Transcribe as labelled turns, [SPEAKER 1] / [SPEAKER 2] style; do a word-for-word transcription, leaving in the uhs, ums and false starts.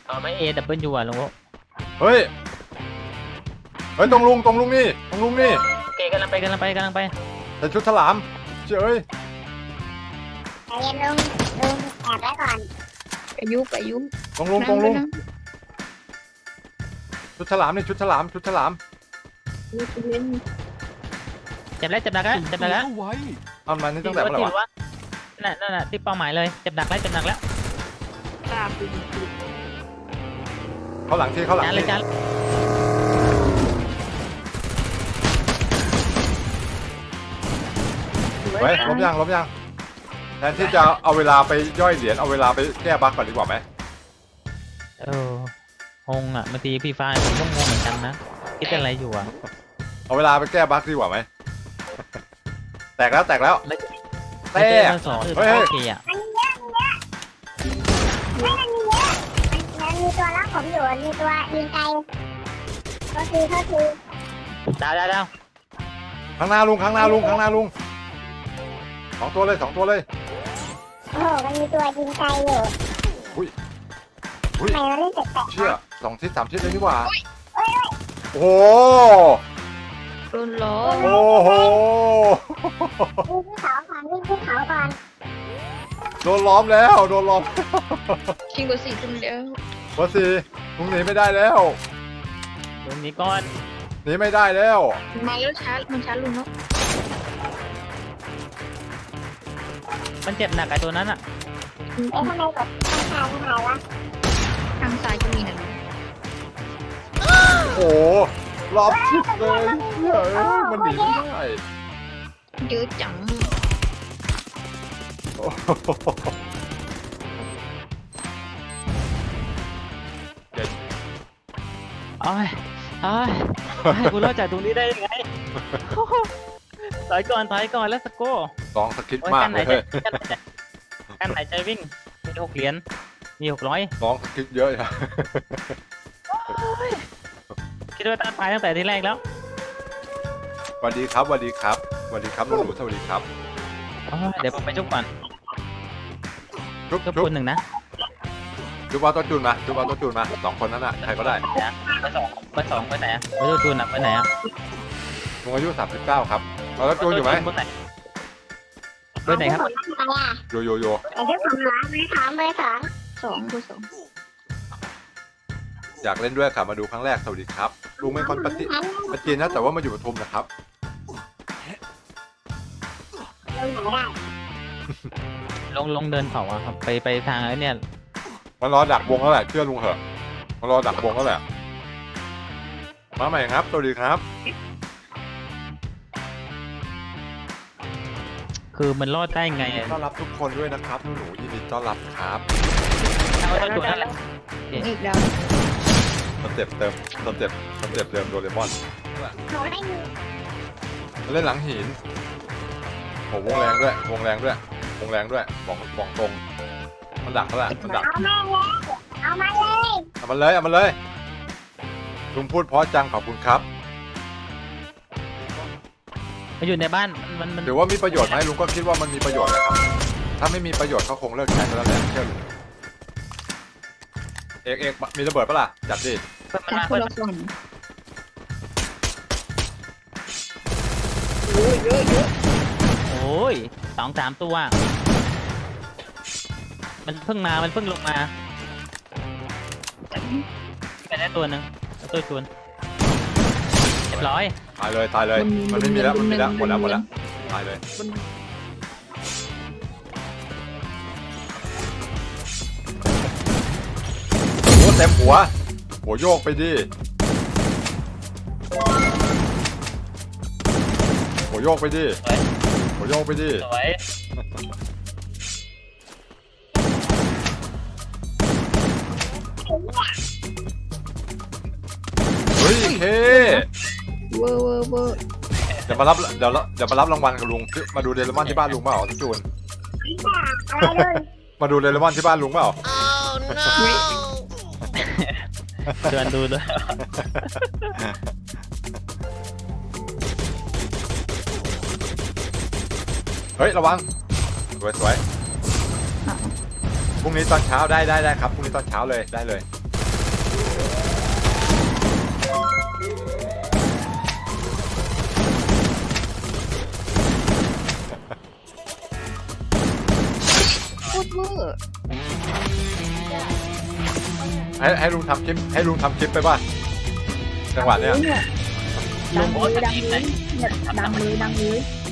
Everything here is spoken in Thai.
[SPEAKER 1] เออไม่เอดับเบิลยูอ่ะลุงโอ
[SPEAKER 2] เฮ้ยเฮ้ยตรงลุงตรงลุงนี่ตรงลุงนี่
[SPEAKER 1] โอเคกำลังไปกำลังไปกำลังไป
[SPEAKER 2] ใส่ชุดฉลามเจ้ย
[SPEAKER 3] ใจเย็นลุงลุงแอบไว้ก่อน
[SPEAKER 4] อายุอายุ
[SPEAKER 2] ตรงลุงตรงลุงชุดฉลามนี่ชุดฉลามชุดฉลาม
[SPEAKER 1] เจ็บแล้วเจ็บหนักแล้วเจ็บหนักแล้ว
[SPEAKER 5] ไว้
[SPEAKER 2] เอามานี่ตั้งแต่เมื่อไหร่วะ
[SPEAKER 1] นั่นนั่นน่ะที่เป้าหมายเลยเจ็บหนักแล้วเจ็บหนักแล้ว
[SPEAKER 4] ตาปี
[SPEAKER 2] เขาหลังที่เขาหลัง
[SPEAKER 1] จานเลย
[SPEAKER 2] ที่
[SPEAKER 1] จาน
[SPEAKER 2] เฮ้ยล้มยังล้มยังแทนที่จะเอาเวลาไปย่อยเหรียญเอาเวลาไปแก้บั๊กก่อนดีกว่าไหม
[SPEAKER 1] เอองงอ่ะบางทีพี่ฟ้าผมก็งงเหมือนกันนะคิดอะไรอยู่อ่ะ
[SPEAKER 2] เอาเวลาไปแก้บั๊กดีกว่าไหมแตกแล้วแตกแล้ว
[SPEAKER 1] แล้ว
[SPEAKER 2] แต
[SPEAKER 1] เจ
[SPEAKER 2] ก
[SPEAKER 1] อสองคือ
[SPEAKER 2] เฮ้ย
[SPEAKER 1] โอเคอ่ะ
[SPEAKER 3] มันเยอะมันเยอะไม่มันมีเยอะมันมันมีตัวล็อกผมอยู่มีตัวยิงไกลโทษทีโทษที
[SPEAKER 1] ดาวดาวดาว
[SPEAKER 2] ข้างหน้าลุงข้างหน้าลุงข้างหน้าลุงสองตัวเลยสองตัวเลย
[SPEAKER 3] โอ้โหมันมีตัวยิงไกลอยู่
[SPEAKER 2] อุ้ย
[SPEAKER 3] ทำไมมันเล่นแปลกๆ
[SPEAKER 2] เชี่ยสองทิศสามทิศเลยนี่หว่าโอ้โห
[SPEAKER 4] โดนล้อ
[SPEAKER 2] โอ้โห
[SPEAKER 3] วิ่งขึ้นเขาก่อนวิ่งขึ้นเขาก่อน
[SPEAKER 2] โดนล้อมแล้วโดนล้อม
[SPEAKER 4] ชิงกว่าสี่คนแล้ว
[SPEAKER 2] วัดสีลุงหนีไม่ได้แล้ว
[SPEAKER 1] ตรงนี้ก่อน
[SPEAKER 2] หนีไม่ได้แล้ว
[SPEAKER 4] มาแล้วช้ามันช้าลุงเนาะ
[SPEAKER 1] มันเจ็บหนักไอ้ตัวนั้นอ่ะ
[SPEAKER 3] เอ๊ะทำไมกดข้างซ้ายไม่หายวะ
[SPEAKER 4] ทางซ้ายก็มีนะ
[SPEAKER 2] โอ้โหรอบชิดเลยเฮ้ยมันหนีไม่ได้
[SPEAKER 4] เยอะจัง
[SPEAKER 2] โอ้โห
[SPEAKER 1] โอ้ยโอ้ยให้กูรอดจากตรงนี้ได้ยังไงถอยก่อนถอยก่อนแล้วสโก้
[SPEAKER 2] ลองสกิด
[SPEAKER 1] โอ้ย
[SPEAKER 2] มาก
[SPEAKER 1] กันไหน
[SPEAKER 2] เลย
[SPEAKER 1] ใจกันไหนใจกันไหนใจวิ่งมีหกเหรียญมีหกร้อย
[SPEAKER 2] ลองสกิดเยอะอะ
[SPEAKER 1] คิดว่าตั้งตายตั้งแต่ทีแรกแล้ว
[SPEAKER 2] สวัสดีครับสวัสดีครับสวัสดีครับหนูๆสวัสดีครับ
[SPEAKER 1] โอ้ยเดี๋ยวผมไปจุกก่อน
[SPEAKER 2] ชุบ
[SPEAKER 1] จุก
[SPEAKER 2] ชุบ
[SPEAKER 1] คนหนึ่งนะ
[SPEAKER 2] ชุบเอาตัวจูนมาชุบเอาตัวจูนมาสองคนนั้นน่ะใครก็ได้
[SPEAKER 1] ไปสองไปสองไปไหนอะไปตัวจูนอะไปไหนอะ
[SPEAKER 2] ลุงอายุสามสิบเก้าครับเอาตัวจูนอยู่ไหม
[SPEAKER 1] บนไหนบนไหนครับ
[SPEAKER 3] ผมทำไมอ่ะ
[SPEAKER 2] โยโยโย
[SPEAKER 3] ไอ้ที่ผมร้องไม่ถามเบอร์สอง
[SPEAKER 4] สองตัวสอง
[SPEAKER 2] อยากเล่นด้วยค่ะมาดูครั้งแรกสวัสดีครับลุงเป็นคนปฏิปฏินะแต่ว่ามาอยู่ปทุมนะครับ
[SPEAKER 3] ลงไหนได้
[SPEAKER 1] ลงลงเดินเขาอะครับไปไปทางไอ้เนี่ย
[SPEAKER 2] มันรอดักวงแล้วแหละเชื่อลุงเหอะมันรอดักวงแล้วแหละมาใหม่ครับสวัสดีครับ
[SPEAKER 1] คือมันรอดได้ไงอะ
[SPEAKER 2] ต้อนรับทุกคนด้วยนะครับหนูๆยินดีต้อนรับครับ
[SPEAKER 1] เอาตัวจูนนั่นแหละ
[SPEAKER 4] อีกแล้ว
[SPEAKER 2] สเต็ปเติมสเต็ปสเต็ปเดิมโดเรมอน
[SPEAKER 3] หนูไม่มี
[SPEAKER 2] เล่นหลังหินโหวงแรงด้วยวงแรงด้วยวงแรงด้วยบอกบอกตรงมันดักแล้วแหละมันดัก
[SPEAKER 3] เอามาเลยเอามาเลย
[SPEAKER 2] เอามันเลยเอามันเลยลุงพูดเพราะจังขอบคุณครับ
[SPEAKER 1] มันอยู่ในบ้านมันมัน
[SPEAKER 2] ถือว่ามีประโยชน์ไหมลุงก็คิดว่ามันมีประโยชน์นะครับถ้าไม่มีประโยชน์เขาคงเลิกใช้ไปแล้วแหละเชื่อลุงเอกเอกมีระเบิดปะล่ะจัดดิ
[SPEAKER 1] มัน
[SPEAKER 4] ทาง
[SPEAKER 1] มา
[SPEAKER 4] คนละฝั่งโอ้ยเยอะเยอะ
[SPEAKER 1] โอ้ยสองสามตัว มันเพิ่งมามันเพิ่งลงมาไปได้ตัวหนึ่งแล้วตัวจูนเรียบร้อย
[SPEAKER 2] ตายเลยตายเลยมันไม่มีแล้วมันมีแล้วหมดแล้วหมดแล้วตายเลยโอ้เต็มหัวหัวโยกไปดิหัวโยกไปดิหัวโยกไปดิ
[SPEAKER 1] สวย
[SPEAKER 2] เฮ้ยเค
[SPEAKER 4] เวอร์เวอร์เวอร์
[SPEAKER 2] เดี๋ยวมารับเดี๋ยวเดี๋ยวมารับรางวัลกับลุงมาดูเดลมอนที่บ้านลุงเปล่าพี่จูน
[SPEAKER 3] อะไรลุง
[SPEAKER 2] มาดูเดลมอนที่บ้านลุงเปล่า
[SPEAKER 1] ชวนดูด้วย
[SPEAKER 2] เฮ้ยระวังสวยสวยพรุ่งนี้ตอนเช้าได้ได้ได้ครับพรุ่งนี้ตอนเช้าเลยได้เลย
[SPEAKER 4] ตรเวอร์
[SPEAKER 2] ให้ให้ลุงทำคลิปให้ลุงทำคลิปไปป่ะจังหวะเนี้ย
[SPEAKER 4] ดังเลยดังเลยดังเลยดังเลย